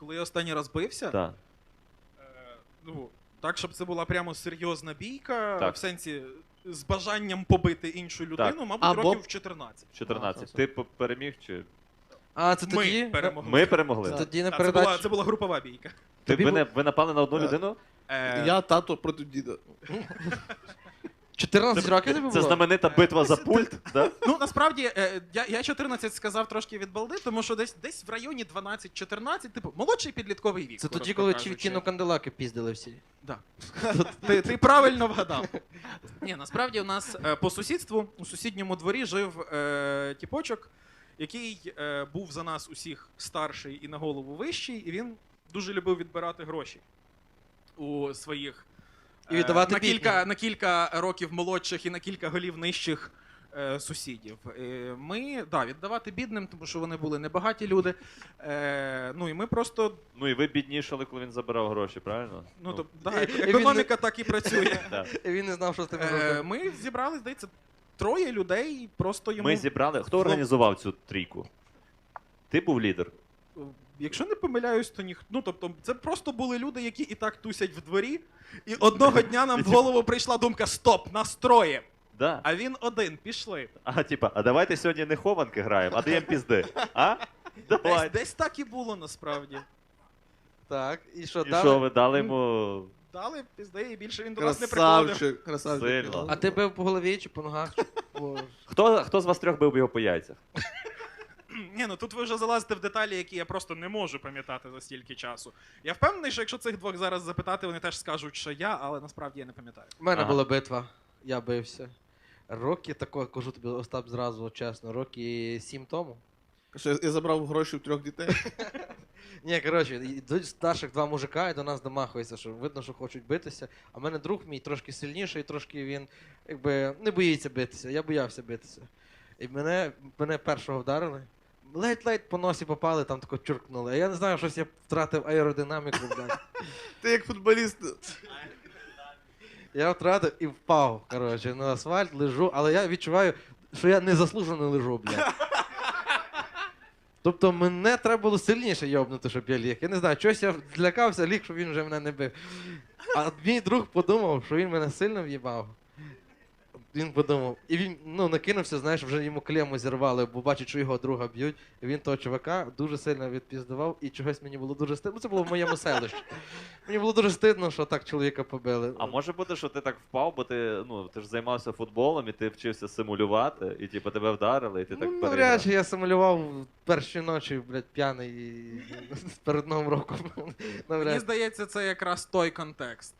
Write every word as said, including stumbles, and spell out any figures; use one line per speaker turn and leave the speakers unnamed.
Коли я останній раз бився,
Так.
е, ну, так, щоб це була прямо серйозна бійка,
Так.
в сенсі з бажанням побити іншу людину,
Так.
мабуть,
Або-
років в чотирнадцять.
чотирнадцять.
А,
Ти п- переміг чи.
А, це
Ми
тоді?
перемогли.
Ми перемогли?
Це тоді на
Та, це, була,
передачі.
це була групова бійка.
Ти,
Тобі
ви,
бу-
не, ви напали на одну
Е,
людину?
Е,
Я тато проти діда.
чотирнадцять років тобі було?
Це знаменита битва за пульт, да?
Ну, насправді, е, я, я чотирнадцять сказав трошки від балди, тому що десь, десь в районі дванадцять-чотирнадцять, типу, молодший підлітковий вік.
Це тоді,
коротко
коли
кажучи.
Чівкіно канделаки піздили всі.
Да. Ти, ти правильно вгадав. Ні, насправді у нас е, по сусідству, у сусідньому дворі жив е, тіпочок, який е, був за нас усіх старший і на голову вищий, і він дуже любив відбирати гроші у своїх
І віддавати
на,
бідним.
кілька, на кілька років молодших і на кілька голів нижчих е, сусідів. Е, ми, да, віддавати бідним, тому що вони були небагаті люди. Е, ну і ми просто,
Ну і ви біднішали, коли він забирав гроші, правильно?
ну, то,
І-
да,
і він не-
економіка так і працює.
да.
І він не знав, що з тим
Е,
робити.
ми зібрали, здається, троє людей, просто йому...
Ми зібрали. Хто організував цю трійку? Ти був лідер.
Якщо не помиляюсь, то ніхто. Ну, тобто, це просто були люди, які і так тусять в дворі, і одного дня нам в голову прийшла думка: стоп, нас троє,
Да.
а він один, пішли.
А типа, а давайте сьогодні не хованки граємо, а даємо пізди. А?
Десь,
Давай.
десь так і було насправді.
Так, і що
І
далі?
що, ви дали йому.
Дали пізди, і більше він до нас не приходив.
Красавчик, красавчик.
Сильно.
А ти бив по голові чи по ногах? Чи по...
Хто, хто з вас трьох бив його по яйцях?
Ні, ну тут ви вже залазите в деталі, які я просто не можу пам'ятати за стільки часу. Я впевнений, що якщо цих двох зараз запитати, вони теж скажуть, що я, але насправді я не пам'ятаю.
У мене
Ага.
була битва, я бився. Роки такого, кажу тобі, Остап, зразу, чесно, роки сім тому.
Що я- я забрав гроші в трьох дітей.
Ні, коротше, йдуть старших два мужика і до нас домахуються, що видно, що хочуть битися. А в мене друг мій трошки сильніший, трошки він якби не боїться битися. Я боявся битися. І мене, мене першого вдарили. Ледь-ледь по носі попали, там тако чуркнули. А я не знаю, щось я втратив аеродинаміку, блядь.
Ти як футболіст.
Я втратив і впав, коротше, на асфальт, лежу, але я відчуваю, що я незаслужено лежу, блядь. Тобто мене треба було сильніше йобнути, щоб я ліг. Я не знаю, чогось я злякався, ліг, щоб він вже мене не бив. А мій друг подумав, що він мене сильно в'їбав. Він подумав. І він ну, накинувся, знаєш, вже йому клему зірвали, бо бачить, що його друга б'ють. І він того чувака дуже сильно відпіздував, і чогось мені було дуже стидно. Ну, це було в моєму селищі. Мені було дуже стидно, що так чоловіка побили.
А може бути, що ти так впав, бо ти, ну, ти ж займався футболом і ти вчився симулювати, і типу тебе вдарили, і ти так
Ну,
переграв.
навряд чи я симулював перші ночі, блядь, п'яний і перед Новим роком.
Мені
Навряд.
здається, це якраз той контекст.